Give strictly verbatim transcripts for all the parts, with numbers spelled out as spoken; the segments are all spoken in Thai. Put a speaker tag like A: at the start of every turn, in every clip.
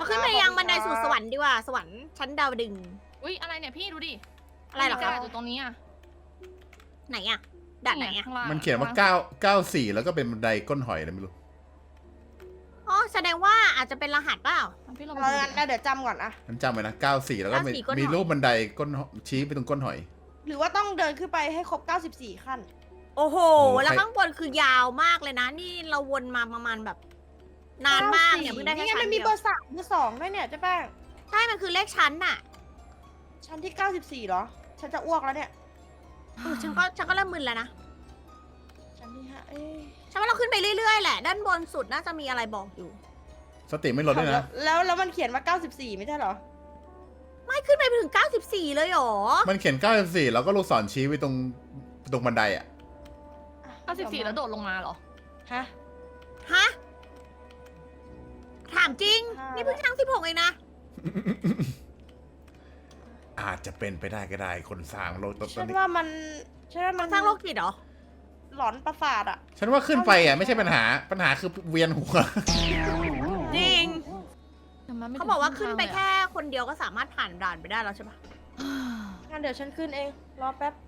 A: เราขึ้นไปยังบันไดสู่สวรรค์ดีกว่าสวรรค์ชั้นดาวดึง
B: อุ้ยอะไรเนี่ยพี่ดูดิ
A: อะไรเหรอครับ
B: มีกาอยู่ตรงนี้อ่ะ
A: ไหนอะด่านไหนอะ
B: ข้งล่ง
C: มันเขียนว่าเก้าเก้าสี่แล้วก็เป็นบันไดก้นหอยอะไรไม่รู้
A: อ๋อแสดงว่าอาจจะเป็นรหัสเปล่า
B: พี่เรา
D: เรา
B: ไปดู
D: งั้น
B: ดิ
D: เดี๋ยวจำก่อนอะ
C: ฉันจำไว้นะเก้าสี่แล้วก็มี
A: เก้าสี่ก้นหอย
C: มีรูปบันไดก้นหอยชี้ไปตรงก้นหอย
D: หรือว่าต้องเดินขึ้นไปให้ครบเก้าสิบสี่ขั้น
A: โอ้โห
C: โอ้
A: แล้ว
C: ใคร
A: ข้างบนคือยาวมากเลยนะ นี่เราวนมาประมาณแบบ นานมากเนี่ยเพิ่งได้แค่
D: นี่ไง
A: ชั้
D: มัน นมี
A: เดีย
D: เบ
A: ว
D: อร์สามเบอร์สองด้วยเนี่ยเจ๊แป้ง
A: ใช่มันคือเลขชั้นน่ะ
D: ชั้นที่เก้าสิบสี่เหรอ ฉันจะอ้วกแล้วเนี่ย
A: เออฉันก็ฉันก็เริ่มมึนแล้วนะ
D: ชั้นที่ห้าเอ๊ะ
A: ฉันว่าเราขึ้นไปเรื่อยๆแหละ ด้านบนสุดน่าจะมีอะไรบอกอยู่
C: สติไม่ลดด้วยนะ
D: แล้วแล้วมันเขียนว่าเก้าสิบสี่ไม่ใช่เหรอ
A: ไม่ขึ้นไปถึงเก้าสิบสี่เลยเหรอ
C: มันเขียนเก้าสี่แล้วก็ลูกศรชี้ไปตรงตรงบันไดอ่ะ
B: เก้าสิบสี่แล้วโดดลงมาเหรอ
D: ฮะ
A: ฮะ ถามจริง
D: อ่านี่
A: นี่เพิ่งชั้นสิบหกเองนะ
C: อาจจะเป็นไปได้ก็ได้คนสร้างโลกตอน
D: ฉัน
C: นี้
D: ว่ามันฉันว่ามัน
A: สร้างโรคจิตเหรอ
D: หลอนประสาทอะ
C: ฉันว่าขึ้นไปอ่ะไม่ใช่ปัญหาปัญหาคือเวียนหัว
A: จริง
B: แต่มันไม่
A: เขาบอกว่าขึ้นไป
B: ถึง
A: แค่คนเดียวก็สามารถผ่านด่านไปได้แล้วใช่ปะ
D: งั้นเดี๋ยวฉันขึ้นเอง รอแป๊บ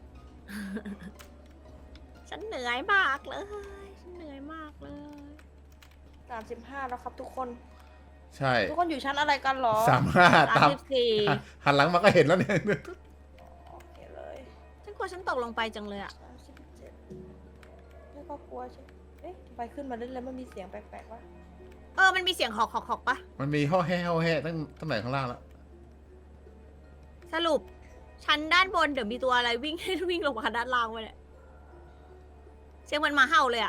A: ฉันเหนื่อยมากเลย ฉันเหนื่อยมากเลย
D: สามสิบห้าแล้วครับทุกคน
C: ใช่
D: ทุกคนอยู่ชั้นอะไรกันเหรอ
C: สามห้า
A: สา
C: ตาม ม
A: สิบสี่
C: หันหลังมาก็เห็นแล้วเนี่ย
D: โอเคเลย
A: ฉันกลัวฉันตกลงไปจังเลยอะ
D: สามสิบเจ็ดไม่ก็กลัวใช่เอ๊ะทำไมขึ้นมาเรื่อยๆมันมีเสียงแปลกๆวะ
A: เออ มันมีเสียงหอกหอกหอกปะ
C: มันมีห่อแห่ห่อแห่ตั้งตั้งแต่ข้างล่างแล้ว
A: สรุป ชั้นด้านบนเดี๋ยวมีตัวอะไรวิ่ง วิ่งลงมาด้านล่างไปเนี่ยเสียงมันหมาเห่าเลยอะ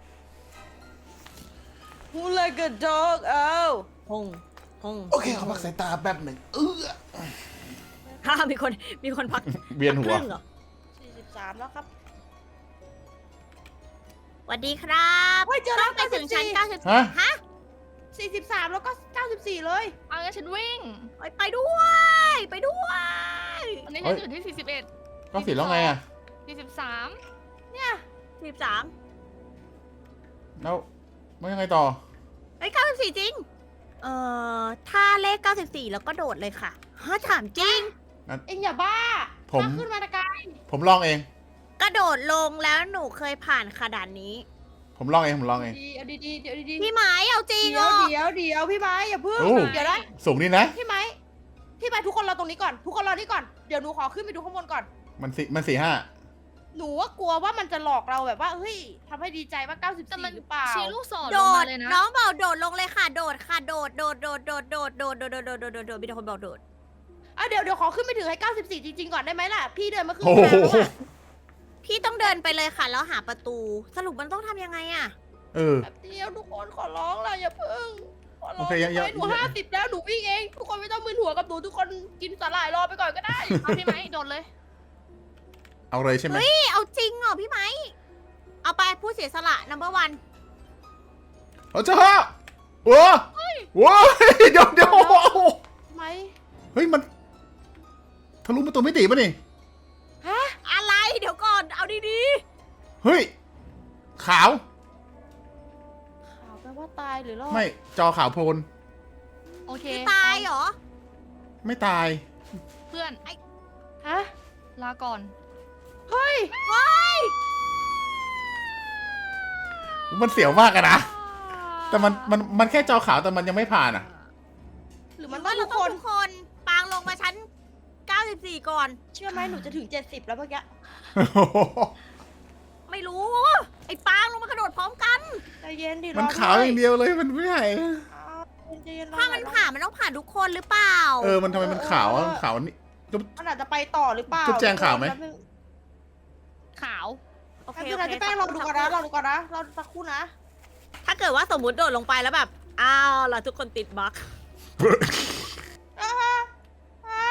D: Who like a dog เอ้า
A: ฮงฮง
C: โอเคขอพักสายตาแป๊บหนึ่งเออ
A: ฮ่ามีคน มีคนพัก
C: เวียนหัว
A: ครึ่งเหรอ
D: สี่สิบสามแล้วครับ
A: สวัสดีครับ
D: เฮ้ยเจอแล้ว
A: ไปถึงชั้น
D: เก้า
A: เก้า
D: สิ
A: สิ
D: บบ สี่
A: สี่
C: ฮะ
A: ฮะ
D: สี่สิบสามแล้วก็เก้าสิบสี่เลย
B: เอางั้นฉันวิ่ง
A: ไปไปด้วย ไปด้วย
B: ตอนนี้ฉันอยู่ที่สี่สิบเอ็ด
C: ก็สิแล้วไงอ่ะ
B: สี่สิบสาม
A: สิบสาม
C: แล้วไม่ยังไงต่อ
A: เอ้ยเก้าสิบสี่จริง เอ่อ ถ้าเลขเก้าสิบสี่แล้วก็โดดเลยค่ะฮะถามจริง
D: เอ็งอย่าบ้า
C: ผม
D: มาขึ้นมาตะกาย
C: ผมลองเอง
A: กระโดดลงแล้วหนูเคยผ่านขนาดนี้
C: ผมลองเองผมลองเอง
D: ดีเอาดีๆเดี๋ยวดีๆ
A: พี่ไม้เอาจริง
D: เดี๋
A: เหร
D: ยว
A: อ
D: เดี๋ยวเดี๋ยวพี่ไม้อย่าเพิ่ง
C: โอ้
D: เดี๋ยวนะ
C: สูงนี่นะ
D: พี่ไม้พี่ไม้ทุกคนรอตรงนี้ก่อน ทุกคนรอนี่ก่อน เดี๋ยวหนูขอขึ้นไปดูข้างบนก่อน
C: มันสี่มันสี่ห้า
D: หนูว่ากลัวว่ามันจะหลอกเราแบบว่าเฮ้ยทำให้ดีใจว่าเก้าสิบ
B: แต่
D: สี่
B: มัน
D: หรือเปล่า
B: ชี้ลูกศร
A: โด
B: ลง
A: ด
B: มาเลยนะ
A: น้องบอกโดดลงเลยค่ะ โดดค่ะ โดด โดด โดด โดด โดด โดด โดด โดด โดด โดด โดด มีแต่คนบอกโดด
D: อ่ะเดี๋ยวเดี๋ยวขอขึ้นไปถึงให้เก้าสิบสี่จริงๆก่อนได้ไหมล่ะ พี่เดินมาขึ้น
C: โอ้
D: ทาง
C: โห
D: แล้วอะ
A: พี่ต้องเดินไปเลยค่ะ แล้วหาประตู สรุปมันต้องทำยังไงอะ
C: เออ
D: แบบเดียวทุกคนขอร้องล่ะอย่าเพิ่งขอร้อง
C: โอเคอย่าอย่า
D: หนูห้าสิบแล้วหนูวิ่งเอง ทุกคนไม่ต้องมึนหัวกับหนูทุกคนกินสาหร่ายรอไปก่อนก็ได้
B: เอาพี่ไหมโดดเลย
C: เอาเลยใช่ไหม
A: พี่เอาจริงเหรอพี่ไม้ เอาไปผู้เสียสละ number one
C: เอาจ้าโอ้โหเดี๋ยวเดี๋ยว
D: ไหม
C: เฮ้ยมันทะลุประตูมิติป่ะนี่
D: ฮะ
A: อะไร เดี๋ยวก่อน เอาดี
C: เฮ้ยขาว
D: ข่าวแปลว่าตายหรือรอด
C: ไม่จอขาวโพลน
B: โอเค
A: ๆคือตายเหรอ
C: ไม่ตาย
B: เพื่อน
D: ฮะ
B: ลาก่อน
D: เฮ้ย
A: เฮ้ย
C: มันเสียวมากอะนะแต่มันมันมันแค่จอขาวแต่มันยังไม่ผ่านอ่ะ
D: หรือ
A: มั
D: มัน น
A: ว่า
D: ต้อง
A: เรา
D: ทุก
A: ต้อ
D: ค
A: ง
D: น
A: ทุกคน ปางลงมาชั้นเก้าสิบสี่ก่อน
D: เชื่อไหมหนูจะถึงเจ็ดสิบแล้วเมื่อกี้
A: ไม่รู้ ไอ้ปางลงมากระโดดพร้อมกัน
D: ใจเย็นดิรอ
C: มันขาวอย่างเดียวเลยมันไม่ใช่
D: อ้าวใจเย็นรอ
A: ถ้ามัน
D: หอย
A: ผ่านมันต้องผ่านทุกคนหรือเปล่า
C: เออมันทำไมมันขาวอะขาวนี่
D: มันอาจจะไปต่อหรือเปล่า
C: จุ๊บแจงขาวไหม
D: แป๊บนึง
B: ขาว
A: โอเค
D: แป๊บนึ
A: โอง
D: นะ
A: เค
D: จะแป้งเราดูก่อนนะเราดูก่อนนะเราสักครู่นะ
A: ถ้าเกิดว่าสมมติโดดลงไปแล้วแบบ อ้าวล่ะทุกคนติดบั๊ก
D: อ่าอ่า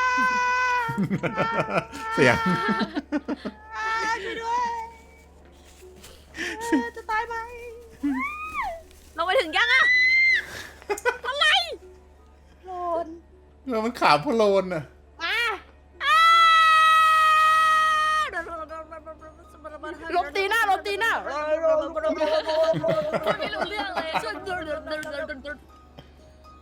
C: เสียง
D: อ่าช่วยด้วยเอ่อจะตายไหม
A: ลงไปถึงยังอะอะไร
D: โลน
C: เออมันขาวโพลนอ่ะ
D: มา
A: อ้าว
D: ลบตีหน้าลบตีหน้า
B: ไม่รู้เรื่องเลย
C: เอ้ย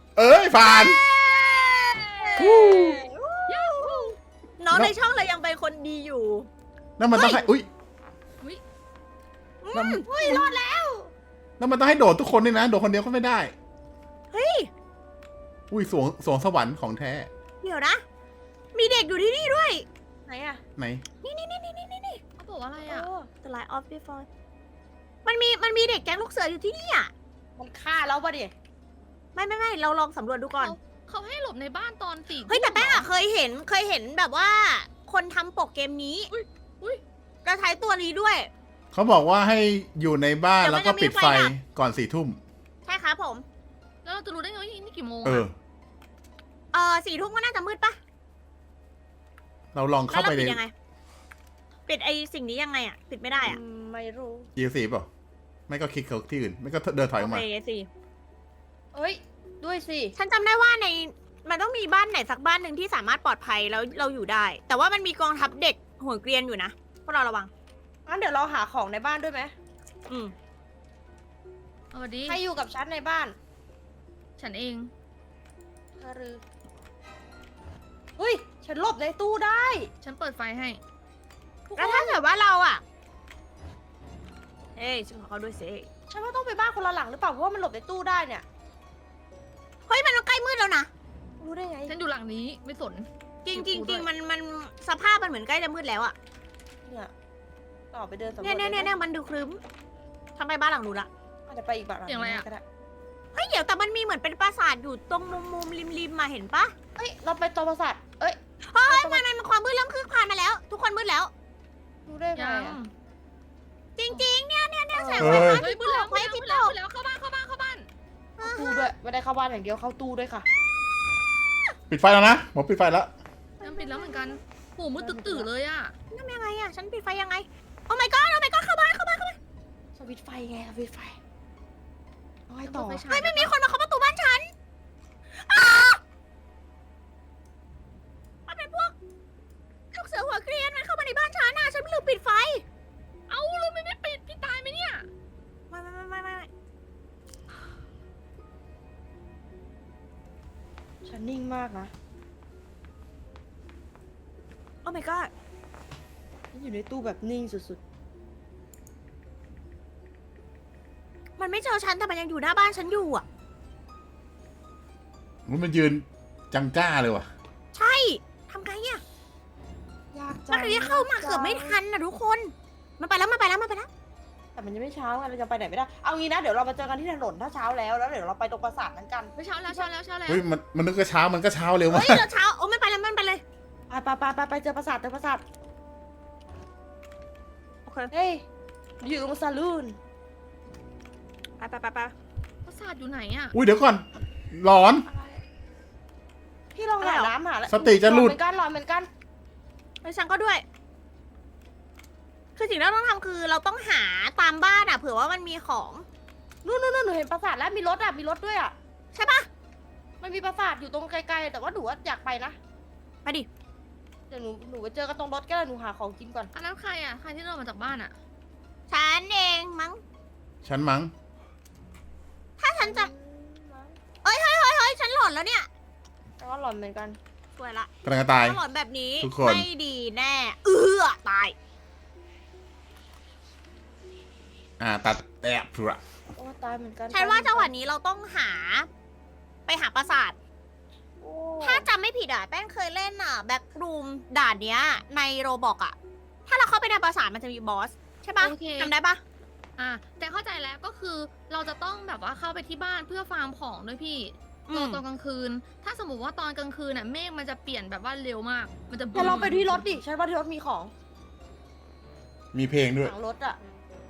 C: ผ่านวู้
A: น้อง
C: แล้ว
A: ในช่องเลยยังเป็นคนดีอยู่
C: นั่นมันต้องให้อุ้ย
B: อุ๊ย
C: นั่น
A: เฮ้ยรอดแล้ว
C: นั่นมันต้องให้โดดทุกคนนี่นะโดดคนเดียวก็ไม่ได้
A: เฮ้ย
C: อุ้ยสวงสวงสวรรค์ของแท้
A: เดี๋ยวนะ มีเด็กอยู่ที่นี่ด้วย
D: ไหนอะ
C: ไหน
A: นี่นี่นี่นี่นี่นี่
B: เขาบอกว่าอะไร
D: เอ
B: อ่ะ
D: อ
A: The Light of Before มันมีมันมีเด็กแก๊งลูกเสืออยู่ที่นี่อ่ะ
D: มันฆ่าเราปะดิ
A: ไม่ไม่ไม่เราลองสำรวจดูก่อน
B: เขาเขาให้หลบในบ้านตอนสี่
A: เฮ้ยแต่แป้ง
B: ทุ่มหร
A: อะเคยเห็นเคยเห็นแบบว่า คนทำปกเกมนี้
B: อุ๊ยอุ๊ย
A: จะใช้ตัวนี้ด้วย
C: เขาบอกว่าให้อยู่ในบ้าน
A: เดี๋ยว
C: แล้ว
A: มัน
C: ก็
A: จะมี
C: ปิด
A: ไฟ
C: ไฟ
A: ดับ
C: ก่อนสี่ทุ่ม
A: ใช่ครับผม
B: แล้วเราจะรู้ได้ไงว่านี่กี่โมง
C: เอ
B: อะ
C: อ
A: เออสี่ทุ่มก็น่าจะมืดปะ
C: เราลอง
A: แล้ว
C: เข้า
A: เรา
C: ไปใน
A: ปิดยังไง ปิดไอสิ่งนี้ยังไงอะปิดไม่ได้อะ
D: อืมไม่รู้
C: อีซีเปล่าไม่ก็คลิกเขาที่อื่น ไม่ก็เดินถอยออก
A: โอ
C: มา
A: เคสิ
D: เอ้ย ด้วยสิ
A: ฉันจำได้ว่าในมันต้องมีบ้านไหนสักบ้านหนึ่งที่สามารถปลอดภัยแล้วเราอยู่ได้ แต่ว่ามันมีกองทัพเด็กหัวเกรียนอยู่นะพวกเราระวัง
D: งั้นเดี๋ยวเราหาของในบ้านด้วยไหม
A: อืม
B: สวัสดี
D: ใครอยู่กับฉันในบ้าน
B: ฉันเอง
D: เธอรือเฮ้ย ฉันหลบในตู้ได้
B: ฉันเปิดไฟให้
D: ทุกค
A: แล้วถ้าน เกิดว่าเราอะเฮ้ยฉันขอเขาด้วยสิ
D: ฉันว่าต้องไปบ้านคนละหลังหรือเปล่า เพราะว่ามันหลบในตู้ได้เนี่ย
A: เฮ้ยมันใกล้มืดแล้วนะ
D: รู้ได้ไง
B: ฉันอยู่หลังนี้ไม่สน
A: จริงจ
B: เก็
A: ริ
B: บ
A: ง
B: กู
A: จ
B: ด้
A: ริ
B: วย
A: งมันมันสภาพมันเหมือนใกล้จะมืดแล้วอะ
D: เนี่ยต่อไปเดินสำรวจ
A: เนี่ยเนี่ยเนี่ยเนี่ยมันดูครึ้มทำไมบ้านหลังนู้นละ
D: อาจจะไปอีกบ้านหลัง
B: เสียงอะไรอะ
D: ก็ได้
A: เฮ้ยเดี๋ยวแต่มันมีเหมือนเป็นปราสาทอยู่ตรงมุมมุมริมริมมาเห็นปะ
D: เฮ้ย เราไปตัวประสาทเอ้ย
A: เฮ้ยมันมันความมืดเริ่มคืบคลานมาแล้ว ทุกคนมืดแล้ว
D: รู้ได้ไง
B: ยัง
D: อะ
A: จริง ๆ เนี่ยเนี่ยเนี่ยแสง
C: เฮ้
A: ไฟ
C: ย
A: ฟ้า
B: เฮ้ย
A: ที่
B: มืดแล้ว
A: ตก
B: มื
A: ไว้
B: ด
A: ที่ต
B: แล้ว
A: ก
B: มืดแล้วเข้าบ้านเข้าบ้านเข้าบ้าน
D: เข้าตู้ด้วย ไม่ได้เข้าบ้านอย่างเดียวเข้าตู้ด้วยค่ะ
C: ปิดไฟแล้วนะหมอปิดไฟแล้ว
B: ฉันปิดแล้วเหมือนกันโหมืดตื่นๆเลยอ่ะ
A: นั่นยังไงอะฉันปิดไฟยังไง โอ้ my god โอ้ my god เข้าบ้านเข้าบ้านเข้าบ้าน
D: สวิตช์ไฟไงสวิตช์ไฟเอาให้ต่อ
B: เปิดไฟฉาย
A: เฮ้ยไม่มีคนมาเคาะประตูบ้านฉันอ้ามันเป็นพวกลูกเสือหัวเกรียนมันเข้ามาในบ้านฉันน่ะฉันลืมปิดไฟ
B: เอ้าเลยไม่ได้ปิดพี่ตายไหมเนี่ย
A: ไม่ไม่ไม่ไม่ไม่
D: ฉันนิ่งมากนะ
A: โอ้ my god
D: ฉันอยู่ในตู้แบบนิ่งสุด
A: มันไม่เจอฉันแต่มันยังอยู่หน้าบ้านฉันอยู่อ่ะ
C: มันยืนจังจ้าเลยว่ะ
A: ใช่ทำไงอ่ะ
D: ๆ ยากจั
A: มันเลยเข้ามาเกือบไม่ทันนะทุกคน มันไปแล้วมันไปแล้วมันไปแล้ว
D: แต่มันยังไม่เช้าไงเราจะไปไหนไม่ได้ เอางี้นะ เดี๋ยวเรามาเจอกันที่ถนนถ้าเช้าแล้ว แล้วเดี๋ยวเราไปตรงปราสาทนั้นกัน
B: ไม่เช้าแล้วเช้าแล้วเช้าแล้ว
C: เฮ้ยมันมันนึกว่าเช้ามันก็เช้าเร็วมา
A: เฮ้
C: ก
A: ยเราเช้าโอ้ไม่ไปแล้วมันไปเลย
D: ไปไปไปไปไปเจอปราสาทเจอปราสาท
A: โอเค
D: เฮ้ย อยู่ตรงซาลูน
A: ไปไปไปไป
B: ปราสาทอยู่ไหนอ่ะ
C: อุ้ยเดี๋ยวก่อนหลอน
D: พี่ลองหาน้ำหาอะไร
C: สติจะหลุด
D: เหมือนกันหลอนเหมือนกัน
A: แล้วฉันก็ด้วย คือสิ่งที่เราต้องทำคือเราต้องหาตามบ้านอ่ะเผื่อว่ามันมีของ
D: นู่นนู่นนู่นหนูเห็นปราสาทแล้วมีรถอ่ะ มีรถด้วยอ่ะ
A: ใช่ปะ
D: มันมีปราสาทอยู่ตรงไกลๆ แต่ว่าหนูว่าอยากไปนะ
A: ไปดิ
D: เดี๋ยวหนูหนูไปเจอกันตรงรถก็ได้หนูหาของกินก่อน
B: อันนั้นใครอ่ะใครที่เดินมาจากบ้านอ่ะ
A: ฉันเองมั้ง
C: ฉันมั้ง
A: ถ้าฉันจะเอ้ยเฮ้ยเฮ้ยเฮ้ยฉันหลอนแล้วเนี่ย
D: แต่ว่าหลอนเหมือนกัน
A: สวยละ
C: กำลังจะตาย
A: ถ้าหลอนแบบนี้
C: ทุกคน
A: ไม่ดีแน่ เออตาย
C: อ่าตัดแอบเผื่อ
D: โอ้ตายเหมือนกัน
A: ฉันว่าจังหวะนี้เราต้องหา ไปหาปราสาท
D: โอ้
A: ถ้าจำไม่ผิดอ่ะแป้งเคยเล่นอ่ะแบ็กรูมด่านเนี้ย ในโรบอกอ่ะ ถ้าเราเข้าไปในปราสาทมันจะมีบอส ใช่ปะ
B: โอเค
A: จำได้ปะ
B: อ่ะแต่เข้าใจแล้วก็คือเราจะต้องแบบว่าเข้าไปที่บ้านเพื่อฟาร์มของด้วยพี่
A: อื
B: รอ
A: ม
B: ตอนกลางคืน ถ้าสมมติว่าตอนกลางคืนน่ะเมฆมันจะเปลี่ยนแบบว่าเร็วมาก มันจะ
D: เดี๋ยวเราไปที่รถดิ ฉันว่าที่รถมีของ
C: มีเพลงด้วย
D: หลังรถอ่ะ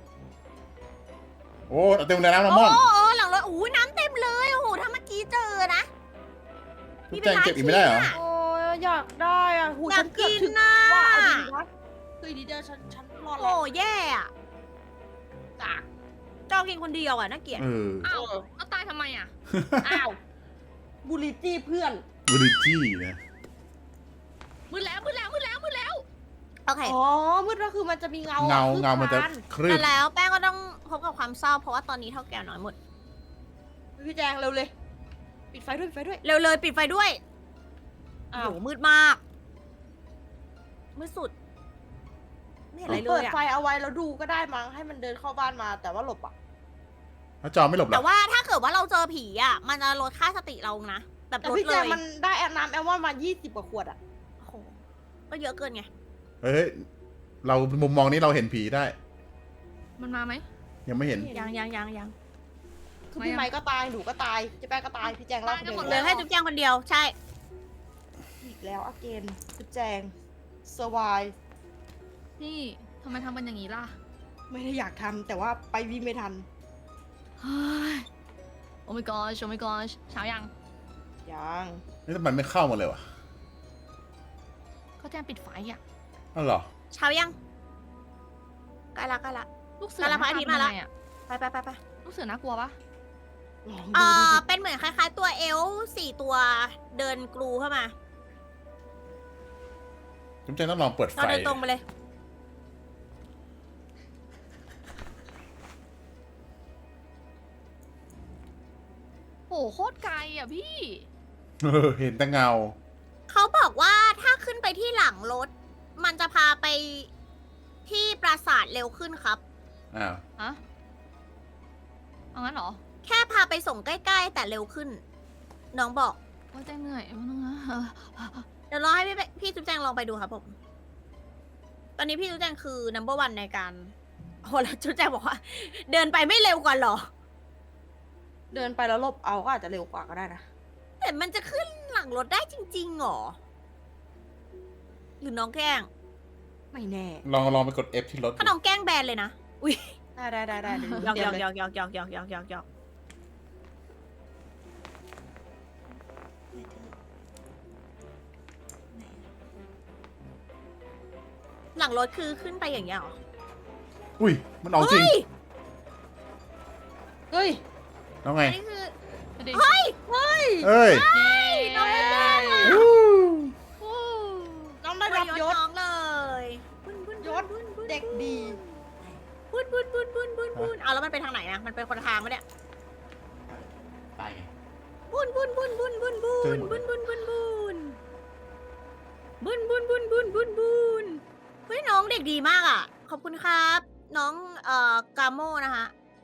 C: โอ้เต็มเลยนะน้ำ
A: โอ้
C: ม่อน
A: โอ้หลังรถอู้น้ำเต็มเลยโอ้โหถ้าเมื่อกี้เจอนะ
C: ทุกแจงเก็บอีกไม่ได้เหรอ
D: โอ้ยอยากได้อ่ะหู
A: อยา
D: ฉั
A: ก
D: นเกือบ
A: กิน
D: ถึง
A: น่ะ
D: ว่าเอาดีๆนะคือดีเดียวฉันฉันรอดแล้
A: โอ้
D: ว
A: แย่อะ
D: จ้ะ
A: จองกินคนเดียวอ่ะน่าเกลียด
C: เออ
B: อ้าวแล้วตายทำไมอ่ะ
D: อ้าวบูลลิจี้เพื่อน
C: บริจี้นะ
B: มืดแล้วมืดแล้วมืดแล้วมืดแล้ว
A: โอเค
D: อ๋อมืดก็คือมันจะมีเงา
C: เงา
D: อะ
C: เงามันจะ
D: คืบคล
C: คลื่
A: แต่
C: น
A: แล้วแป้งก็ต้องพบกับความเศร้าเพราาะว่าตอนนี้เท่าแก่น้อยหมด
D: พี่แจงเร็วเลยปิดไฟด้วยปิดไฟด้วย
A: เร็วเลยปิดไฟด้วยโอ้
D: อ้า
A: โห
D: ว
A: มืดมาก มืดสุด ไม่เห็นอะไรเล
D: เปิ
A: ย
D: ด
A: อะ
D: ไฟเอาไว้แล้วดูก็ได้มั้งให้มันเดินเข้าบ้านมาแต่ว่าหลบอ่ะ
C: แล้วจอไม่หลบเหร
A: แต่
C: อ
A: ว่าถ้าเกิดว่าเราเจอผีอะมันจะลดค่าสติเรานะ แบบ
D: แต่
A: ลด
D: พี่
A: เล
D: แจ
A: ย
D: งมันได้แอลน้ำแอลมอนมายี่สิบกว่าขวดอ่ะ
A: โอ้โหก็เยอะเกินไง
C: เฮ้ย เรามุมมองนี้เราเห็นผีได้
B: มันมาไหม
C: ยังไม่เห็น
A: ยังยังยังยัง
D: คือพี่ไม้ก็ตายหนูก็ตายเจ๊แป้งก็ตายพี่แจงเล่าคนเดียว
A: เหลือแค่จุ๊บแจงคนเดียว ใช่
D: อีกแล้วอเกนพี่แจงเซอร์ไว
B: พี่ทำไมทำกันอย่างนี้ล่ะ
D: ไม่ได้อยากทำแต่ว่าไปวิ่งไม่ทัน
B: เฮ้ยโอ้ my gosh โอ้ my gosh เช้ายัง
D: ยัง
C: นี่ทำไมไม่เข้ามาเลยวะ
B: ก็แจ้งปิดไฟอ่ะ
C: อ้าวเหรอ
A: เช้ายังใกล้ละใกล้ละ
B: ลูกเสือ
A: แล้วพระอาทิตย์มาละ
B: หน้ตเป็นยังไงอะ
A: ไปไปไปไป
B: ลูกเสือน่ากลัวปะ
D: ลอง
A: เอ
D: ดูดิ
A: อเป็นเหมือนคล้ายๆ ตัวเอลฟ์สี่ตัวเดินกรูเข้ามา
C: จุ๊บแจงต้องลองเปิดไฟ
A: เราเดินตรงไปเลย
B: โหโคตรไกลอ่ะพี่
C: เออเห็นแต่เงา
A: เขาบอกว่าถ้าขึ้นไปที่หลังรถ มันจะพาไปที่ปราสาทเร็วขึ้นครับ
C: อ้าว
B: ฮะ เอางั้นเหรอ
A: แค่พาไปส่งใกล้ๆ แต่เร็วขึ้น น้องบอก
B: ว่าแจ้งเหนื่อยว่านึงนะเออ
A: เดี๋ยวรอให้พี่ไปพี่จุ๊บแจงลองไปดูครับผม ตอนนี้พี่จุ๊บแจงคือ number one ในการโอ้แล้วจุ๊บแจงบอกว่า เดินไปไม่เร็วกว่าเหรอ
D: เดินไปแล้วหลบเอาก็อาจจะเร็วกว่าก็ได้นะ
A: แต่มันจะขึ้นหลังรถได้จริงๆหรอ หรือน้องแกล้ง
D: ไม่แน่
C: ลองลองไปกด F ที่รถ
A: ถ้าน้องแกล้งแบนเลยนะ อุ้ย
D: ได้ได้ได้ได้เดี๋ยว
A: หยอก
D: เตรี
A: หย
D: ย
A: อ
D: ม
A: ก
D: เล
A: หยอกหยอกหยอกหยอกหยอกหยอกหยอกหยอกหลังรถคือขึ้นไปอย่างเงี้ยเหรอ
C: อุ้ย มันเอาจริง
A: เฮ้ย
D: เฮ้ย
C: แล้วไง
A: อันนี้คือ
B: ไปดิ
A: เฮ้ย
D: เฮ้ย
C: เอ้ย
A: น้องไม่แกล้งอะ
C: วู้
B: วู้
D: น้องได้รับยศ
A: น้องเลยบุญบุญ
D: ยศ
A: บุญบุญ
D: เด็กดี
A: บุญบุญบุญบุญบุญบุญเอาแล้วมันไปทางไหนอะมันเป็นคนละทางปะเนี่ย
C: ตายไง
A: บุญบุญบุญบุญบุญบุญบุญบุญบุญบุญบุญบุญบุญบุญบุญบุญเฮ้ยน้องเด็กดีมากอ่ะ ขอบคุณครับ น้องเอ่อกาโมนะคะ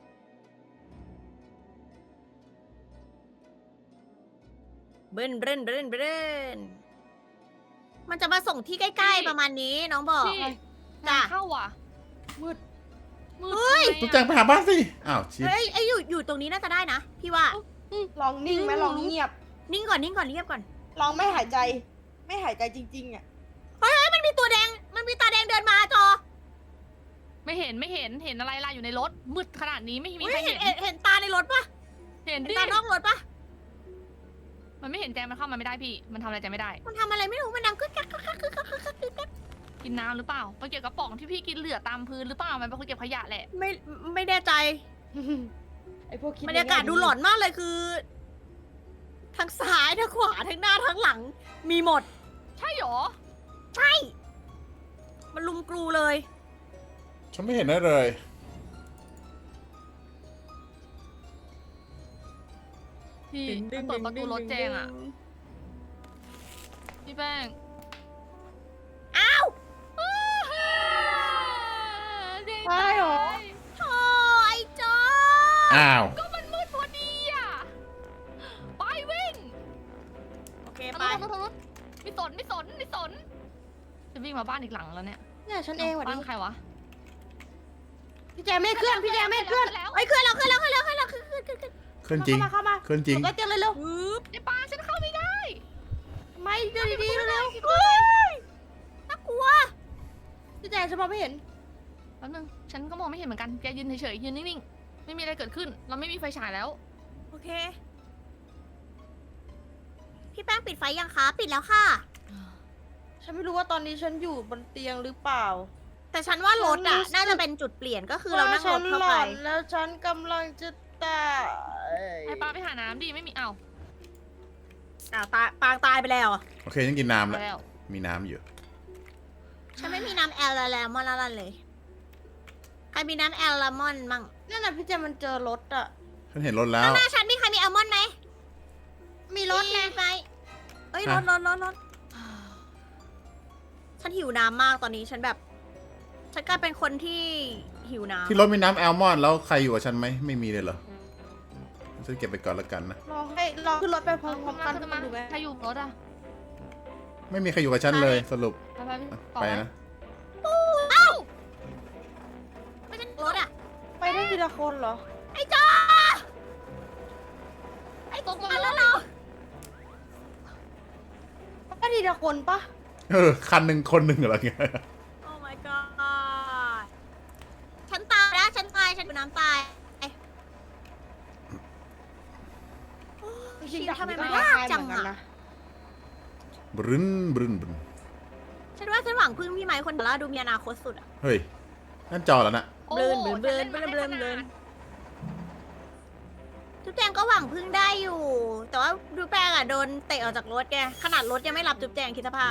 A: เบนเบนเบนเบนมันจะมาส่งที่ใกล้ๆประมาณนี้น้องบอก
B: พี่
A: จ้ะ
B: งานเข้าว่ะ
D: มืด
B: มืด
A: เฮ้ย
B: ทำไมอะ
C: จุ๊บแจงไปหาบ้านสิ อ้าวชิบ
A: เฮ้ยไออยู่อยู่ตรงนี้น่าจะได้นะพี่ว่า
D: ลองนิ่งไหมลองเงียบ
A: นิ่งก่อนนิ่งก่อนเรียบก่อน
D: ลองไม่หายใจ ไม่หายใจจริงๆอ่ะ
A: เฮ้ยเฮ้ยมันมีตัวแดงมันมีตาแดงเดินมาจอ
B: ไม่เห็นไม่เห็นเห็นอะไรล่ะอยู่ในรถมืดขนาดนี้ไม่มี
A: เฮ้ย
B: ใคร
A: เห็
B: เห็
A: น
B: น
A: เห็นเห็นตาในรถปะ
B: เห็น
A: เห็น
B: ดิ
A: ตานอกรถปะ
B: มันไม่เห็นแจงมันเข้ามาไม่ได้พี่ มันทำอะไรแจงไม่ได้
A: มันทำอะไรไม่รู้มันดังกึกกักกึกกักกึกกักกึกกักกึกกัก
B: กินน้ำหรือเปล่าไปเก็บกระป๋องที่พี่กินเหลือตามพื้นหรือเปล่ามันเป็นคนเก็บขยะแหละ
A: ไม่ไม่แน่ใจ
D: ไอพวกคิด
A: บรรยากาศดูหลอนมากเลยคือ ทั้งซ้ายทั้งขวาทั้งหน้าทั้งหลัง มีหมด
B: ใช่หรอ
A: ใช่ มันลุมกรูเลย
C: ฉันไม่เห็นได้เลย
B: พี่มันเปิดประตูรถแจงอ่ะพี่แป้ง
A: อ้าว
B: แจง
D: ใช่หรอ
A: โธ่ไอ้จอ
C: อ้าว
B: ก็มันมืดพอดีอ่ะไปวิ่ง
A: โอเค
B: ทาง
A: ไป
B: นู้นทางนู้นไม่สนไม่สนไม่สนจะวิ่งมาบ้านอีกหลังแล้วเนี่ย
D: เนี่ยฉันเองหวัด
B: บ้า
D: ดี
B: นใครวะ
D: พี่แจงไม่เคลื่อนพี่แจงไม่เคลื่อน
B: แล้ว
A: เฮ้ยขึ้นแล้วขึ้นแล้วขึ้นแล้วขึ้นแล้วขึ้นขึ้นขึ้นขึ้น
C: เคลื่อนจริง
D: เข้ามาเข้ามา
C: เคลื่อนจริง
D: ก็เตียงเลยเร็ว
A: ปึ๊บ
B: ในป่าฉันเข้าไม่ได้
D: ๆไม่เดินดีๆเร็ว
A: เฮ้ยน่ากลัว
D: ๆพี่แจงฉันมองไม่เห็น
B: แป๊บนึงฉันก็มองไม่เห็นเหมือนกันแกยืนเฉยๆยืนนิ่งๆไม่มีอะไรเกิดขึ้น เราไม่มีไฟฉายแล้ว
A: โอเค พี่แป้งปิดไฟยังคะปิดแล้วค่ะ
D: ฉันไม่รู้ว่าตอนนี้ฉันอยู่บนเตียงหรือเปล่า
A: แต่ฉันว่ารถอ่ะ
D: ฉันรู้สึก
A: น่าจะเป็นจุดเปลี่ยนก็คือเรานั่งรถเข้า
D: ว่า
A: ไป
D: ฉันหลอนแล้วฉันกำลังจะตาย
B: ไอ้ปลาไปหาน้ำดิไม่มีเอ้า
A: อ้าวตายปางตายไปแล้วอะ
C: โอเคฉันกินน้ำ
B: ไป
C: แล้ว
B: แล้ว
C: มีน้ำอยู่
A: ฉันไม่มีน้ำแอลลาแลมอนละลันเลย ใครมีน้ำแอลลามอนมั่ง
D: นั่นน่ะพี่แจงมันเจอรถอะ
C: ฉันเห็นรถแล้
A: ข้าว งหน้าฉันมีใครมีอัลมอนด์ไหมมีรถไงไปเอ้ยรถรถรถรถฉันหิวน้ำมากตอนนี้ฉันแบบ ฉันกลายเป็นคนที่หิวน้ำ
C: ที่รถมีน้ำแอลมอนด์แล้วใครอยู่กับฉันไหมไม่มีเลยเหรอฉันเก็บไปก่อนละกันนะ
D: รอให้รอขึ้นรถไปพร้อม
B: ขึ้น
D: ๆ
B: มา
D: กัน
B: ขึ้นมา
D: ดูไหม
B: ใครอยู่รถอ่ะ
C: ไม่มีใครอยู่กับฉันเลยสรุป
B: ไปไปพี่ต่อ
C: ไป
B: ไหม
C: นะ
A: เอ้าไม่เป็นรถอะ
D: ไปได้ทีละคนเหรอ
A: ไอ้จ้าไอ้ตกมาแล้วเรา
D: ไปทีละคนปะ
C: เออคันหนึ่งคนหนึ่งเหรอเงี้ย
A: โอ้ my god ฉันตายแล้วฉันตายฉันเป็นน้ำตาย
D: จริงๆ
A: ทำไมมัน
D: ก็
A: ยากจัง
D: เหมือนกัน
A: อะ
D: นะ
C: บรึนบรึนบรึน
A: ฉันว่าฉันหวังพึ่งพี่ไม้คนเดียวแล้วดูมีอนาคตสุดอะ
C: เฮ้ยนั่นจอแล้วนะ
B: โอ้
A: เบลิน
B: โห
A: เบลิน
B: ฉัล่มา
A: เบลิน
B: ได้
A: เบลิน
B: ขนาด
A: จุ๊บแจงก็หวังพึ่งได้อยู่ แต่ว่าดูแปงอะโดนเตะออกจากรถแกขนาดรถยังไม่รับจุ๊บแจงคิดสภาพ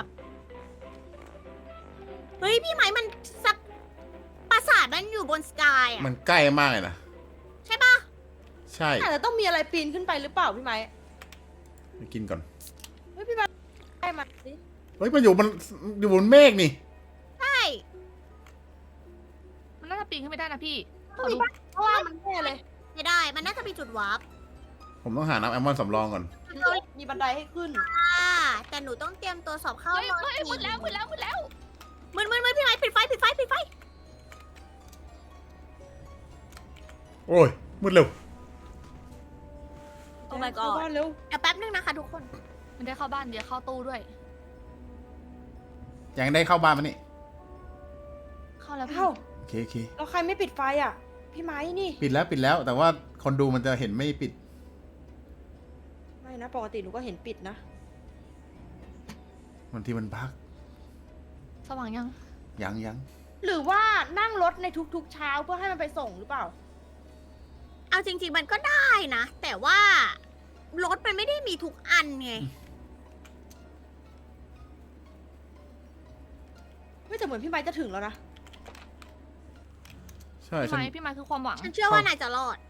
A: เฮ้ยพี่ไม้มันสักปราสาทมันอยู่บนสกายอะ
C: มันใกล้มากเลยนะ
A: ใช่ปะ
C: ใช่
D: อาจจะต้องมีอะไรปีนขึ้นไปหรือเปล่าพี่ไม้
C: ไปกินก่อน
D: เฮ้ยพี่ไม้ได้มาสิ
C: เฮ้ยมันอยู่บนอยู่บนเมฆนี่
A: ใช่
B: มันน่าจะปีนขึ้นไม่ได้นะพี่ข
D: ต้อ
B: อง
D: มี
B: ดู
D: บ้านเพราะว่ามันแน่เลย
A: ไม่ได้มันน่าจะมีจุดวาร์ป
C: ผมต้องหาน้ำแอลมอนด์สำรองก่อน
D: มีบันไดให้ขึ้น
A: อ่าแต่หนูต้องเตรียมตัวสอบเข้า
B: เฮ้ย
A: ม
B: เฮ้ยมืดแล้วมืดแล้วมืดแล้ว
A: มืดมืดมืดพี่ไม้ปิดไฟปิดไฟปิดไฟ
C: โอ้ยมืดเร็ว
A: โอ้ my
D: เข้า
A: god
D: บ้านเร็ว
A: เดี๋ยวแป๊บนึงนะคะทุกคน
B: มันได้เข้าบ้านเดี๋ยวเข้าตู้ด้วย
C: ยังได้เข้าบ้านมานี่
B: เข้าแล้วพี่
D: เอ้า
C: โอเคโอเค
D: แล้วใครไม่ปิดไฟอ่ะ พี่ไม้นี่
C: ปิดแล้วปิดแล้ว แต่ว่าคนดูมันจะเห็นไม่ปิด
D: ไม่นะปกติหนูก็เห็นปิดนะ
C: บางทีมันพัก
B: สว่างยัง
C: ยังยัง
D: หรือว่านั่งรถในทุกๆเช้าเพื่อให้มันไปส่งหรือเปล่า
A: เอาจริง ๆ มันก็ได้นะ แต่ว่ารถมันไม่ได้มีทุกอันไง
D: ไม่แต่เหมือนพี่ไม้จะถึงแล้วนะ
C: ใช่
B: พี่
C: ฉัน
B: ไม้พี่ไม้คือความหวัง
A: ฉันเชื่อว่านายจะรอด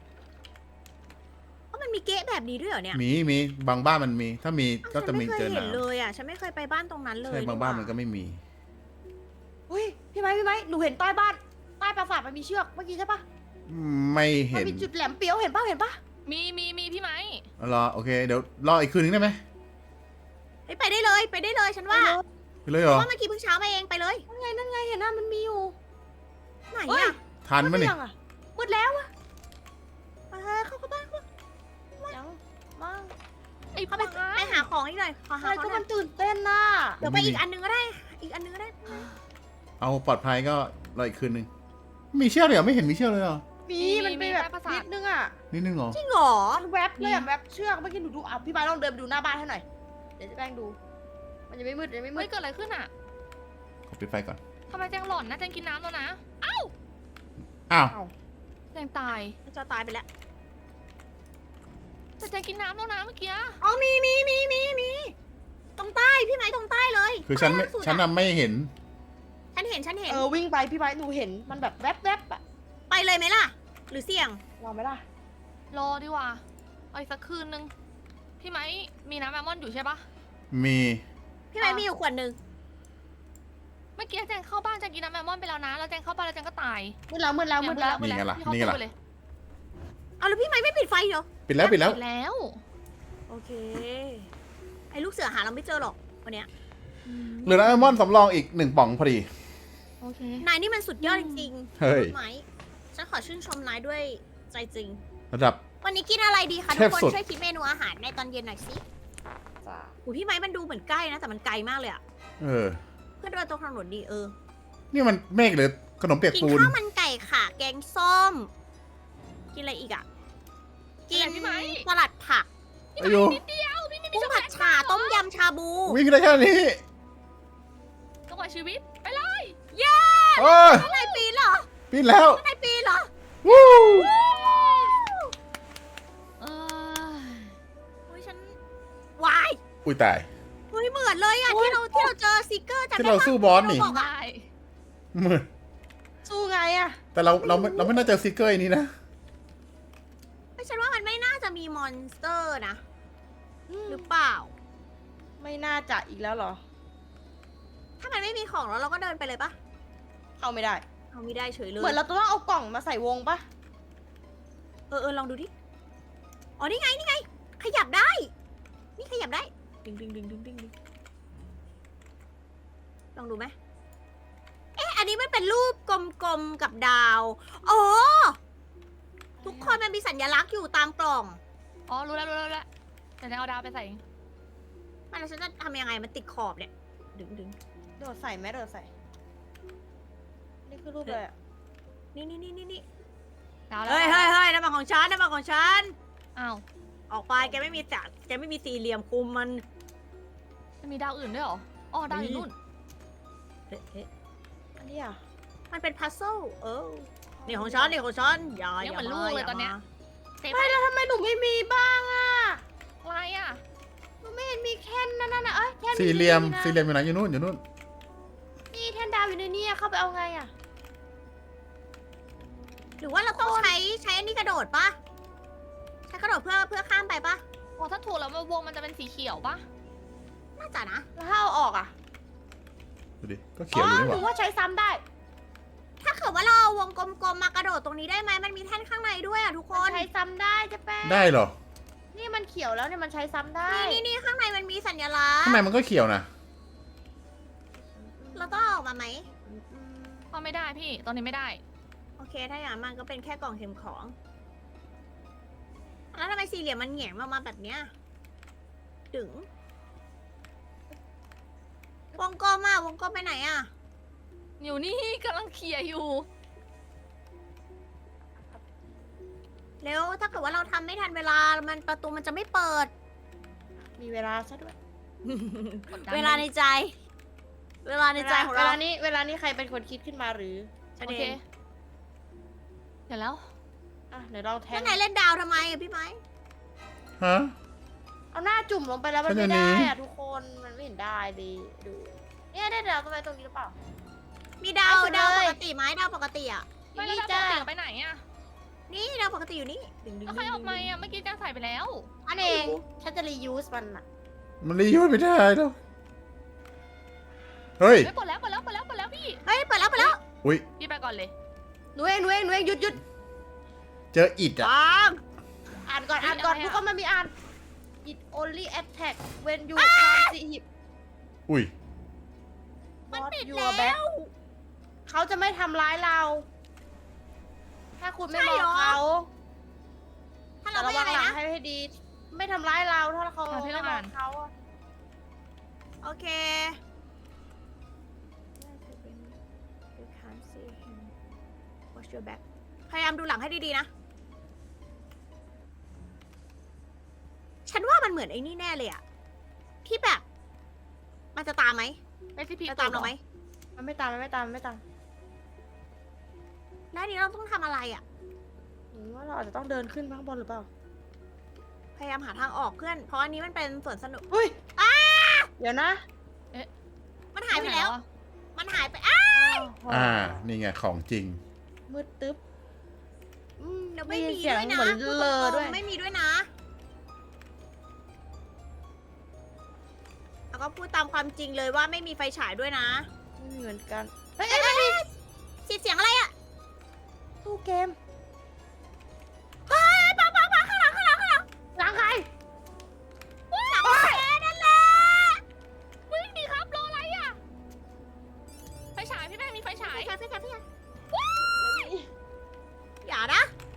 A: เพราะมันมีเก๊ะแบบนี้ด้วยเหรอเนี่ย
C: มีมีบางบ้านมันมี ถ้ามีก็
A: ฉั
C: จะ
A: น
C: มี
A: ไม่เค
C: เจ
A: ย
C: อ
A: เห็น
C: น้ำ
A: เลยอ่ะ ฉันไม่เคยไปบ้านตรงนั้นเลย
C: ใช่บางบ้านมันก็ไม่มี
D: เฮ้ย พี่ไม้พี่ไม้หนูเห็นใต้บ้าน ใต้ปราสาทมันมีเชือกเมื่อกี้ใช่ปะ
C: ไม่
D: มั
C: เห็น
D: มีจุดแหลมเปียวเห็นปะเห็นปะ
B: มีมีมีพี่ไม้
C: เอารอโอเค เดี๋ยวรออีกคืนนึงได้ไหม
A: เฮ้ยไปได้เลย ไปได้เลย ฉันว่า
C: ไปเลยเห
A: เพ
C: รอ
A: ราะว่าเมื่อกี้เพิ่งเช้ามาเองไปเลย
D: นั่นไงนั่นไงเห็นนะมันมีอยู่
A: ไหน
D: เฮ้ย
A: อ่ะ
C: ทัน
D: มื
C: มั้
D: ด
C: ย
D: หรือ
C: นี่
D: ยังอะมืดแล้วอะ
A: ไปเข้าเข้าบ้าน
D: ยังมั้ง
B: ไอ้
A: เข้าไป
B: ไม้
A: ไปหาของอีกหน่อยขอ
D: อะ
A: หา
D: ไร
A: ของ
D: ก็
A: หน่
D: มั
A: อย
D: นตื่นเต้นน่ะ
A: เดี๋ยวไปอีกอันนึงก็ได้ อีกอันนึงก็ได้
C: เอาปลอดภัยก็รออีกคืนนึง มีเชือกเลยเหรอไม่เห็นมีเชือกเลยเหรอ
D: มีมันเป็นแบบนิดนึงอะ
C: นิดนึงเหรอ
A: จริงเหรอ
D: มันแวบเลยอะแวบเชือกเมื่อกี้หนูดูอ่ะพี่ไม้ลองเดินไปดูหน้าบ้านให้หน่อย เดี๋ยวจะแป้งดู มันยังไม่มืดยังไม่มื
B: เฮ้
D: ด
B: ยเกิดอะไรขึ้นอ่ะ
C: ขอปิดไฟก่อน
B: ทำไมแจงหล่อนนะแจงกินน้ำแล้วนะ
C: อ้าว
D: อ้าว
B: แจงตาย
A: จะตายไปแล้ว
B: แต่แจงกินน้ำแล้วนะเมื่อกี้
A: อ๋อมีมีมีมีมีตรงใต้พี่ไม้ตรงใต้เลย
C: คือฉันไม่
A: ใต้ล่างสุดอะ
C: ฉันน่ะไม่เห็น
A: ฉันเห็นฉันเห็น
D: เออวิ่งไปพี่ไม้หนูเห็นมันแบบแวบแวบๆอะ
A: ไปเลยไหมล่ะ หรือเสี่ยง
D: ลองไหมล่ะ
B: รอดีกว่าเอาอีกสักคืนนึง พี่ไม้มีน้ำแอลมอนด์อยู่ใช่ปะ
C: มี
A: พี่ไม้มีอยู่ขวดหนึ่ง
B: เมื่อกี้แจงเข้าบ้านแจงกินน้ำแอลมอนด์ไปแล้วนะ แล้วแจงเข้าบ้านแล้วแจงก็ตาย
D: มืดแล้วมืดแล้วมืดแล้ว
C: นี่ไงล่ะ
B: พี่เข้า
C: นี่ไง
B: ตู้
C: ล่ะ
B: ไปเลย
A: เอาแล้วพี่ไม้ไม่ปิดไฟเหรอ
C: ปิดแล้วปิดแล้ว
B: ปิดแล้ว
A: โอเค ไอ้ลูกเสือหาเราไม่เจอหรอกวันเนี้ย
C: เหลือน้ำแอลมอนด์สำรองอีกหนึ่งป่องพอดี
B: โอเค
A: นายนี่มันสุดยอดจริงๆ
C: เฮ้ย
A: ไหมฉันขอชื่นชมนายด้วยใจจริง
C: ระดับ
A: วันนี้กินอะไรดีคะ
C: เท
A: ทุก
C: พ
A: คน
C: สุด
A: ช่วยคิดเมนูอาหารในตอนเย็นหน่อยสิ
D: จ้า
A: โอ้พี่ไม้มันดูเหมือนใกล้นะ แต่มันไกลมากเลยอะ
C: เออ
A: เพื่อนเดินตรงถนนดีเออ
C: นี่มันเมฆหรือขนมเปียก
A: กิน
C: ปูน
A: ข้าวมันไก่ค่ะ แกงส้ม กินอะไรอีกอะกิน
B: อะไรพี่ไม้
A: สลัดผัก
C: อายุ
B: นิดเดียวพี่ไม่มี
A: กุ้ง
B: ช็อกโก
A: ผั
B: แล
A: ด
B: ต
A: ฉ่าต้มยำชาบู
C: วิ่งได้แค่นี้
B: จังหวะชีวิตไปเลย
A: เย้
C: โอ้ย
A: นายปีนเหรอ
C: ปิดแล้ว
A: นายปีนเหรอ
C: วู้
B: เออ
A: เฮ้ยฉันวาย
C: อุ้ยตาย
A: เฮ้ยเหมือนเลยอะที่เราที่เราเจอซิกเกอร์จำ
C: ที่
A: ได้
C: เรา
A: ปะ
C: สู้บอสนี่
A: ที่เราบอกอะ
B: ได้
C: มือ
D: สู้ไงอะ
C: แต่เราเราไม่เราไม่น่าเจอซิกเกอร์อันนี้นะ
A: ไม่ฉันว่ามันไม่น่าจะมีมอนสเตอร์นะหรือเปล่า
D: ไม่น่าจะอีกแล้วเหรอ
A: ถ้ามันไม่มีของแล้วเราก็เดินไปเลยปะ
D: เข้าไม่ได้
A: เอาไม่ได้เฉยเลย
D: เหมือนเราต้องเอากล่องมาใส่วงปะ
A: เออเออลองดูดิ อ๋อ นี่ไง นี่ไง ขยับได้ นี่ขยับได้ ดึงดึงดึงดึงดึงดึงลองดูไหม เอ๊ะ อันนี้มันเป็นรูปกลมๆกับดาว อ๋อ ทุกคนมันมีสัญลักษณ์อยู่ตามกล่อง
B: อ๋อรู้แล้วรู้แล้วรู้แล้วเดี๋ยวจะเอาดาวไปใส่เอง
A: มันแล้วฉันจะทำยังไง มันติดขอบเนี่ย ดึงดึง
D: โดดใส่ไหมโดดใส่ นี่คือรูปอะไรอะ
A: นี่นี่นี่นี่นี่
B: ดาวแล้ว
A: เฮ้ยเฮ้ยเฮ้ยนั่นมันของฉันนั่นมันของฉัน
B: อ้าว
A: ออกไป แกไม่มีจักแกไม่มีสี่เหลี่ยมคุมมัน
B: มันมีดาวอื่นด้วยเหรออ๋อดาวอยู่นู่น
A: เอ๊ะเอ๊ะ
D: อันนี้อ่ะ
A: มันเป็นพัซเซิลเออ นี่ของฉัน นี่ของฉัน อย่า
B: ยัง
A: อย่า
B: เหมือนลู
A: มาก
B: เลย
A: อย่า
B: ตอนเนี้ย
A: มา
B: เซฟ
D: ไม่แล้วทำไมหนูไม่มีบ้างอ่ะ
B: อะไรอ่ะ
D: หนูไม่เห็นมีแค่นนั่นน่ะเอ้ยแค่น
C: สี่เหลี่ยม
D: นะ
C: สี่เหลี่ยมอยู่ไหนอยู่นู่นอยู่นู่น
D: นี่แท่นดาวอยู่ในนี้อะเข้าไปเอาไงอ่ะ
A: หรือว่าเราต้องใช้ใช้อันนี้กระโดดปะใช้กระโดดเพื่อเพื่อข้ามไปปะ
B: โอ้ถ้าถูกแล้วมันวงมันจะเป็นสีเขียวปะ
A: น่าจะนะ
D: แล้วถ้าเอาออกอ่ะ
C: ดูดิ ก็เขียวอยู่นี่
D: ห
C: ห
D: รือ
C: ว่า
D: ว่าใช้ซ้ำได้
A: ถ้าเกิดว่าเราเอาวงกลมๆมากระโดดตรงนี้ได้ไหมมันมีแท่นข้างในด้วยอ่ะทุกค
D: มัน นใช้ซ้ำได้จะแป้ง
C: ได้เหรอ
D: นี่มันเขียวแล้วเนี่ยมันใช้ซ้ำได้
A: นี่นี่นี่ข้างในมันมีสัญลักษ
C: ข้าง
A: ณ์
C: ในมันก็เขียวนะ
A: เราต้องเอาออกมาไหม
B: ก็ไม่ได้พี่ ตอนนี้ไม่ได้
A: โอเค ถ้าอย่างนั้นมันก็เป็นแค่กล่องเข็มของ แล้วทำไมสี่เหลี่ยมมันแหงนมามาแบบเนี้ย ดึง วงกลมอ่ะ วงกลมไปไหนอ่ะ
B: อยู่นี่กำลังเคลียร์อยู่
A: เร็ว ถ้าเกิดว่าเราทำไม่ทันเวลา มันประตูมันจะไม่เปิด
D: มีเวลาซะด้วย
B: กดดัน
A: เวลาในใจ เวลาในใจของ
D: เว
A: เรา
D: ลานี้เวลานี้ใครเป็นคนคิดขึ้นมาหรือ
A: ฉัน
B: โอ
A: เอ
B: เค
A: ง
B: เดี๋ยวแล้ว
D: อ่ะเดี๋ยวลองแท
A: แล้ว
D: ง
A: ไหนเล่นดาวทำไมอะพี่ไม้
C: ฮะ
D: เอาหน้าจุ่มลงไปแล้วมัน
C: ฉั
D: ไม่
C: นจะหนี
D: ได้อะทุกคนมันไม่เห็นได้ดีดูเนี่ยได้ดาวตรงไหนตรงนี้หรือเปล่า
A: มีดาว
D: ไปสุด
A: ดาว
D: เล
A: ป
D: ย
A: กติไหมดาวปกติอ่ะ
B: ไม่แล้ว
D: นี่
B: ดาวป
D: จ้าก
B: ติไปไหนอ่ะ
A: นี่ดาวปกติอยู่นี่ดึงดึง
B: แล้วใครเออกมาอ่ะ เมื่อกี้แจ้งใส่ไปแล้ว
D: อันเองฉันจะรียูสมันอะ
C: มันรียูสไม่ได้แล้วเฮ้ย
B: ไม่ปลดแล้วปลดแล้วปลดแล้วปลดแล้วพี่
A: เฮ้ยเปิดแล้วเปิดแล้ว
C: อุ้ย
B: พี่ไปก่อนเลย
D: หนูเองหนูเองหนูเองหยุดหยุด
C: เจออิดอ่ะ
A: ปัง
D: อ่านก่อน
B: เฮ้ย
D: อ่านก่อน
B: อะไรอะ
D: ทุกคนมันมีอ่าน it only attack when you can't see him
C: อุ้ย
A: มัน
D: Not
A: ปิด
D: your
A: แล้
D: back
A: ว
D: เขาจะไม่ทำร้ายเรา ถ้าคุณไม่
A: ใช่
D: มอง
A: เหรอ
D: เขา
A: ถ้า
D: แต่
A: เรา
D: ระ
A: ไม่
D: วั
A: อะ
D: ง
A: ไร
D: หลัง
A: นะ
D: ให้ให้ดี ไม่ทำร้ายเราถ้าเขา
B: อ่ะพี่
D: ไม่
B: ต้อง
D: มอ
B: อ่าง น
D: เขาอะ
A: โอเค Watch your back พยายามดูหลังให้ดีๆนะ ฉันว่ามันเหมือนไอ้นี่แน่เลยอะที่แบบ มันจะตามไหม
B: ไม่ใช่พี่
A: จะตามเราไหม
D: มันไม่ตามมันไม่ตามมันไม่ตาม
A: แล้วอันนี้เราต้องทำอะไรอะ
D: หรือว่าเราอาจจะต้องเดินขึ้นข้างบนหรือเปล่า
A: พยายามหาทางออกเพื่อน เพราะอันนี้มันเป็นสวนสนุก
D: เฮ้ยเดี๋ยวนะ
A: มันหายไปแล้ว
B: อะ
A: มันหายไปอ้า
C: อ่า นี่ไงของจริง
D: มืดตึ๊บอืม
A: เดี๋ยวไม่มี
D: เสียง
A: ด้วยนะ
D: เหมือนเลอด้วย
A: ไม่มีด้วยนะ แล้วก็พูดตามความจริงเลยว่าไม่มีไฟฉายด้วยนะ
D: ไม่มีเหมือนกัน เฮ้ย
A: เอ้ยเอ้ยเอ้ยเสียงเสียงอะไรอะ
D: ตู้เกม
A: เฮ้ยปังปังปังข้างหลังข้างหลังข้างหลัง
D: หลังใคร
A: หลังแกนั่นแหละ
B: วิ่งดีครับรออะไรอ่ะ ไฟฉายพี่แม่มีไฟฉาย
A: พี่ชายพี่ชายพี่ชายอย่านะ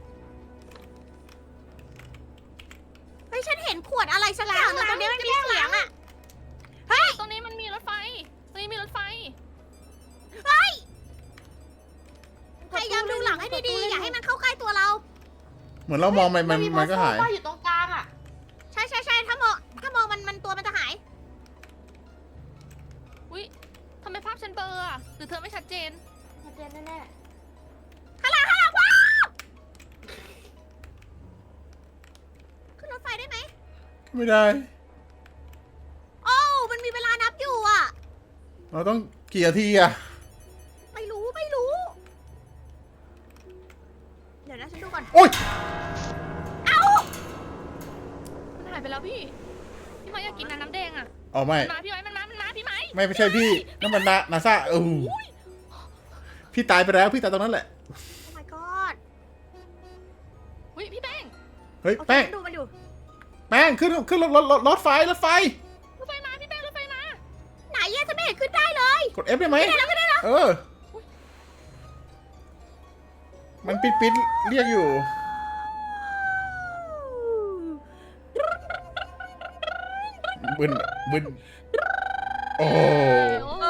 A: เฮ้ยฉันเห็นขวดอะไรสักอย่างหนึงตรงนี้มันมีเสียงอะ
B: ตรงนี้มันมีรถไฟ ตรงนี้มีรถไฟ
A: พยายามดูหลังให้ดีๆ อย่าให้มันเข้าใกล้ตัวเรา
C: เหมือนเรามองไปมัน
D: มี
C: มันก็หาย
D: โซฟอยู่ตรงกลางอะ
A: ใช่ใช่ใช่ถ้ามองถ้ามองมันมันตัวมันจะหาย
B: อุ้ยทำไมภาพฉันเบลออ่ะ หรือเธอไม่ชัดเจน
D: ชัดเจนแน่
A: ข้างหลังข้างหลังว้าวขึ้นรถไฟได้ไหม
C: ไม่ได้
A: โอ้วมันมีเวลานับอยู่อ่ะ
C: เราต้องกี่นาทีอ่ะ
A: ไม่รู้ไม่รู้ เดี๋ยวนะฉันดูก่อน
C: โอ้ย
A: เอ้า
B: มันหายไปแล้วพี่
A: เ
B: แดงอะ
C: อ๋อไม่
B: มันมาพี่ไม้มันมามันมาพี่ไม้
C: ไม่ไม่ใช่พี่นั่นมันนานาซาเออพี่ตายไปแล้วพี่ตายตรงนั้นแหละ
A: โอ้ my god
B: อุ้ยพี่แป้ง
C: เฮ้ย
A: โอเค
C: แป้ง
A: ดูมันอยู่
C: แป้งขึ้นขึ้นรถรถรถรถไฟรถไฟ
B: รถไฟมาพี่แป้งรถไฟมา
A: ไหนอะจะไม่เห็นขึ้นได้เลย
C: กด F ได้ไหมเออ มันปิดปิดเรียกอยู่ บึนบึนโอ้
B: โอ้
D: โอ้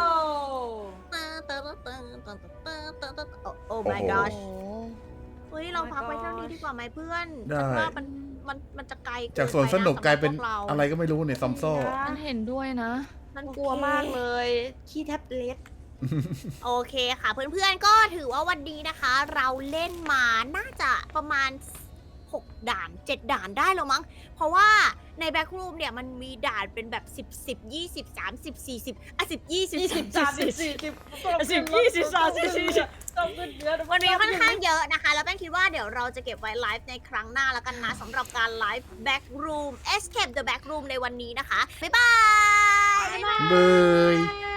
A: โอ้ my
C: โอ้โห
A: gosh เฮ้ยเราพักไว้เท่านี้ดีกว่าไหมเพื่อน
C: ได้
A: ฉันว่ามันมันมันจะไกลเน
C: จากสวน
A: ไปะ
C: สนุกกลายเป็น
A: สำหบพวเรา
C: อะไรก็ไม่รู้ในซอมซ่อ
B: มันเห็นด้วยนะ
A: มัน
D: กลัวมากเลย ขี้แท็บเล็ต
A: โอเคค่ะเพื่อนๆก็ถือว่าวันนี้นะคะ เราเล่นมาน่าจะประมาณหกด่านเจ็ดด่านได้แล้วมั้ง เพราะว่าในแบ็กรูมเนี่ยมันมีด่านเป็นแบบสิบ สิบ ยี่สิบ สามสิบ สี่สิบอ่ะสิบ ยี่สิบ สามสิบ สี่สิบ สิบ ยี่สิบ สามสิบ สี่สิบ
D: ต้องขึ้นเยอะ
A: มันมีค่อนข้างเยอะนะคะ แล้วแป้งคิดว่าเดี๋ยวเราจะเก็บไว้ไลฟ์ในครั้งหน้าแล้วกันนะสำหรับการไลฟ์ Back Room Escape the Back Room ในวันนี้นะคะ บ๊ายบาย
C: เบย